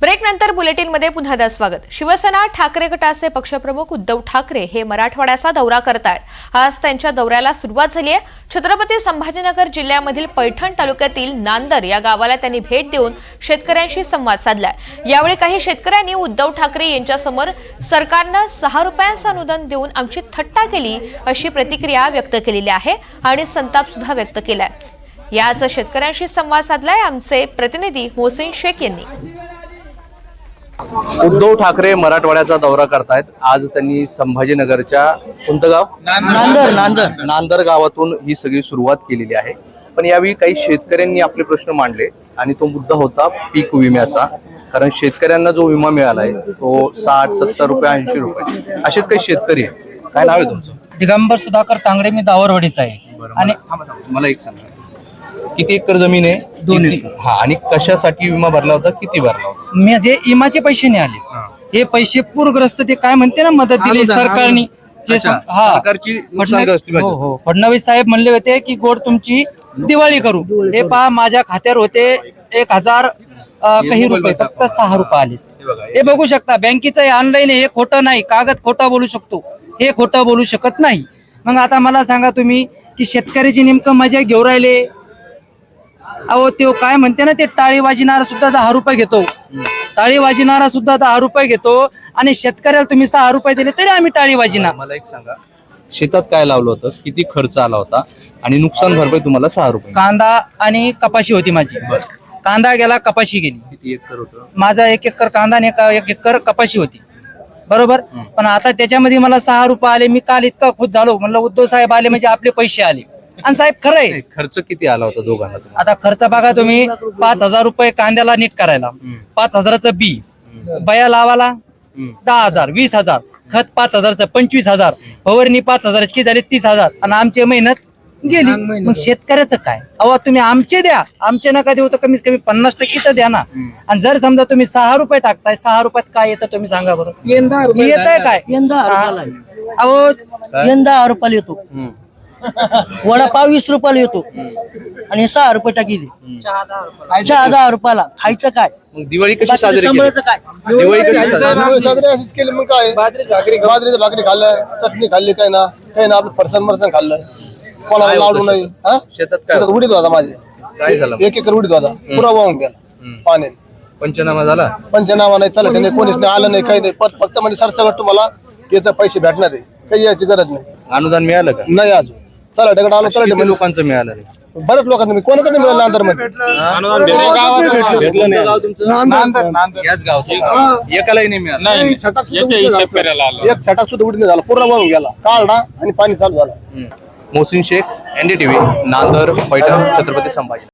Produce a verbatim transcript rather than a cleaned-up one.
Break नंतर bulletin मध्ये पुन्हा स्वागत। शिवसेना ठाकरे गटाचे पक्षप्रमुख उद्धव ठाकरे हे मराठवाड्याचा दौरा करतायत। आज त्यांच्या दौऱ्याला सुरुवात झाली आहे। छत्रपती संभाजीनगर जिल्ह्यामधील पैठण तालुक्यातील नांदर या गावाला त्यांनी भेट देऊन शेतकऱ्यांशी संवाद साधलाय। यावेळी काही शेतकऱ्यांनी उद्धव ठाकरे यांच्यासमोर सरकारने सहा रुपयांचे अनुदान देऊन आमची थट्टा केली अशी प्रतिक्रिया व्यक्त केलेली आहे आणि संताप सुद्धा व्यक्त केलाय। याच शेतकऱ्यांशी संवाद साधलाय आमचे प्रतिनिधी मोहसिन शेख यांनी। उद्धव ठाकरे मराठवाड्याचा दौरा करतायत। आज त्यांनी संभाजीनगरच्या कोणतं गाव नांदर नांदर नांदर गावातून ही सगळी सुरुवात केलेली आहे। पण यावेळी काही शेतकऱ्यांनी आपले प्रश्न मांडले आणि तो मुद्दा होता पीक विम्याचा। कारण शेतकऱ्यांना जो विमा मिळालाय तो साठ सत्तर रुपये ऐंशी रुपये असेच काही शेतकरी आहेत। काय नाव आहे तुमचं? दिगंबर सुधाकर तांगडे, मी दावरवाडीचा आहे। आणि मला एक सांगा, किती एकर जमीन आहे? दोन किती- एकर। हा, आणि कशासाठी विमा भरला होता, किती भरला होता? मी जे इमाचे पैसे नाही आले, हे पैसे पूरग्रस्त ते काय म्हणते ना मदत दिली सरकारने, जे अच्छा, सं- हा सरकारची नुकसानग्रस्ती फडणवीस- हो मदत. हो फडणवीस साहेब म्हणले होते की गोड तुमची दिवाळी करू। हे पहा, माझ्या खात्यावर होते एक हजार अं, काही रुपये, फक्त सहा रुपये आले। हे बघू शकता, बँकेचं ऑनलाईन, हे खोटं नाही, कागद खोटा बोलू शकतो, हे खोटं बोलू शकत नाही। मग आता मला सांगा तुम्ही की शेतकऱ्याची नेमकं मजा घेऊ राहिले। अहो ते काय म्हणते ना, ते टाळी वाजणारा सुद्धा दहा रुपये घेतो, टाळी वाजणारा सुद्धा दहा रुपये घेतो आणि शेतकऱ्याला तुम्ही सहा रुपये दिले तरी आम्ही टाळी वाजिना। मला एक सांगा, शेतात काय लावलं होतं, किती खर्च आला होता आणि नुकसान भरपाई तुम्हाला सहा रुपये? कांदा आणि कपाशी होती माझी। कांदा गेला, कपाशी गेली। किती एकर होतं? माझा एक एकर कांदा आणि एका- एक एकर कपाशी होती, बरोबर। पण आता त्याच्यामध्ये मला सहा रुपये आले। मी काल इतका खुश झालो, म्हणलं उद्धव साहेब आले म्हणजे आपले पैसे आले। आणि साहेब खरं आहे, खर्च किती आला होता दोघांना तुम्हाला? आता खर्च बघा तुम्ही, पाच हजार रुपये कांद्याला नीट करायला, पाच हजाराचं बी, बया लावाला दहा हजार, वीस हजार, खत पाच हजारचं पंचवीस हजार, फवारणी पाच हजाराची झाली तीस हजार, आणि आमची मेहनत गेली। मग शेतकऱ्याचं काय? अहो तुम्ही आमचे द्या, आमचे नका देऊ तर कमीत कमी पन्नास टक्के तर द्या ना। आणि जर समजा तुम्ही सहा रुपये टाकताय, सहा रुपयात काय येतं तुम्ही सांगा बरं? येत आहे काय? अहो यंदा दहा रुपयाला येतो, वडापाव वीस रुपयाला येतो आणि सहा रुपये टाकी दे, चहा दहा रुपयाला। खायचं काय? मग दिवाळी कशी बाकीचं साजरी केली? सांभाळायचं काय? दिवाळी कशी साजरी? साजरी अशीच केली मग काय, बाजरीची भाकरी खाल्लं, चटणी खाल्ली, काय ना काही ना आपलं फरसन मरसन खाल्लं, कोणाला काय लाडू होतं नाही। हा? शेतात काय शेतात उडीत होता माझे, काय झालं? एक एकर उडीत होता, पुरा वाहून गेला पाण्याने। पंचनामा झाला? पंचनामा नाही, चला नाही, कोणीच नाही आलं, नाही काही नाही, फक्त फक्त म्हणजे सरसकट तुम्हाला याचे पैसे भेटणार आहे, काही याची गरज नाही। अनुदान मिळालं का? नाही अजून चला ढगड आलो, चला किती लोकांचं मिळालं रे? बऱ्याच लोकांना मी कोणाकडे नाही मिळालं अंतर मध्ये। याच गावचं एकालाही नाही मिळालं? एक छटाक सुद्धा उडीत नाही झाला, पुरा वाहून गेला, काढला आणि पाणी चालू झालं। मोहसिन शेख, एनडीटीव्ही, नांदर, पैठण, छत्रपती संभाजी।